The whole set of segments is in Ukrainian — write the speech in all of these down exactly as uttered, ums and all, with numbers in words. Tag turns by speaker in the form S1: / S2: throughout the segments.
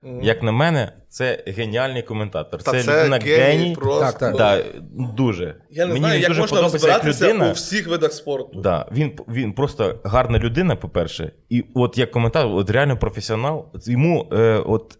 S1: Mm.
S2: Як на мене, це геніальний коментатор.
S1: Та
S2: це,
S1: це
S2: людина
S1: геній
S2: геній.
S1: просто.
S3: Так, так.
S2: Да, дуже.
S1: Я не
S2: Мені
S1: знаю,
S2: він
S1: як
S2: дуже
S1: можна
S2: подобається як
S1: розбиратися
S2: людина.
S1: у всіх видах спорту.
S2: Да, він, він просто гарна людина, по-перше, і от як коментатор, от реально професіонал, йому е, от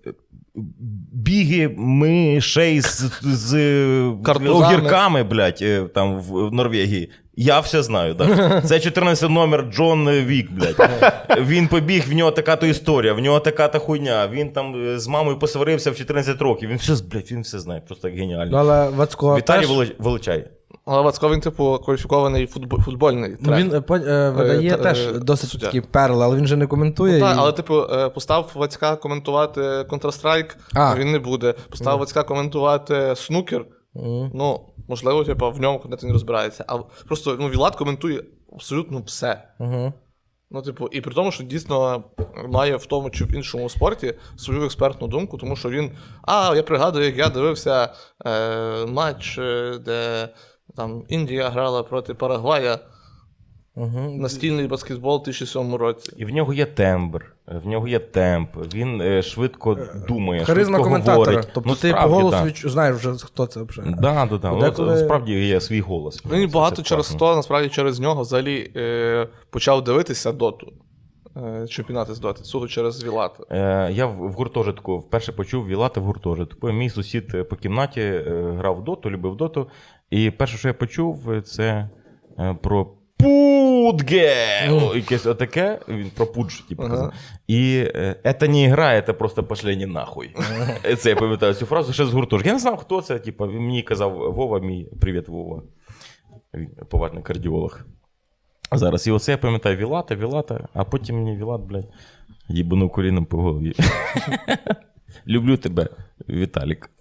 S2: біги мишей з, з
S1: Картузами.
S2: огірками, блядь, е, там в Норвегії. Я все знаю, так. Це чотирнадцятий номер Джон Вік, блядь. Він побіг, в нього така-то історія, в нього така-то хуйня. Він там з мамою посварився в чотирнадцять років. Він все, блядь, він все знає, просто як
S3: Ну,
S2: геніально.
S3: але Вацько
S2: Віталій
S3: теж...
S2: Волоч- Волочай.
S1: Але Вацько, він, типу, кваліфікований футбол, футбольний
S3: Ну,
S1: тренер.
S3: він е, по- е, видає
S1: Е,
S3: теж
S1: е,
S3: досить
S1: суддя.
S3: такі перли, але він же не коментує.
S1: Так,
S3: і-
S1: але, типу, е, постав Вацька коментувати Counter-Strike,
S3: А.
S1: він не буде. Постав Вацька коментувати снукер,
S3: Мгм.
S1: ну, можливо, типу, в ньому конкретно не розбирається. А просто, ну, Вілат коментує абсолютно все.
S3: Мгм.
S1: Ну, типу, і при тому, що дійсно має в тому чи в іншому спорті свою експертну думку, тому що він. А, я пригадую, як я дивився е, матч, е, де там Індія грала проти Парагвая,
S3: Мгм.
S1: настільний баскетбол у дві тисячі сьомому році.
S2: І в нього є тембр, в нього є темп, він е, швидко думає,
S3: Харизма
S2: швидко
S3: коментатора.
S2: говорить.
S3: Тобто
S2: Ну,
S3: ти
S2: справді,
S3: по голосу
S2: да.
S3: відч... знаєш вже, хто це взагалі.
S2: Да, да, да.
S3: Бо
S2: Ну,
S3: деколи-
S2: Справді є свій голос.
S1: Ну і
S2: Це-
S1: багато
S2: це
S1: через
S2: класно.
S1: то, насправді, через нього взагалі е, почав дивитися доту. Е, чемпіонати з доти, суто через Вілата.
S2: Е, я в, в гуртожитку вперше почув Вілата в гуртожитку. Мій сусід е, по кімнаті е, грав в доту, любив доту. І перше, що я почув, е, це е, про Пудге! О, якесь отаке, він про пудж, типу,
S1: Ага.
S2: казав. І е, це не гра, це просто пошлені нахуй. Це я пам'ятаю цю фразу ще з гуртожитку. Я не знав, хто це, типу, мені казав Вова, мій, привіт, Вова. Він поважний кардіолог. Зараз. І оце я пам'ятаю Вілата, Вілата, а потім мені Вілат, блядь, їбанув коліном по голові. Люблю тебе, Віталік.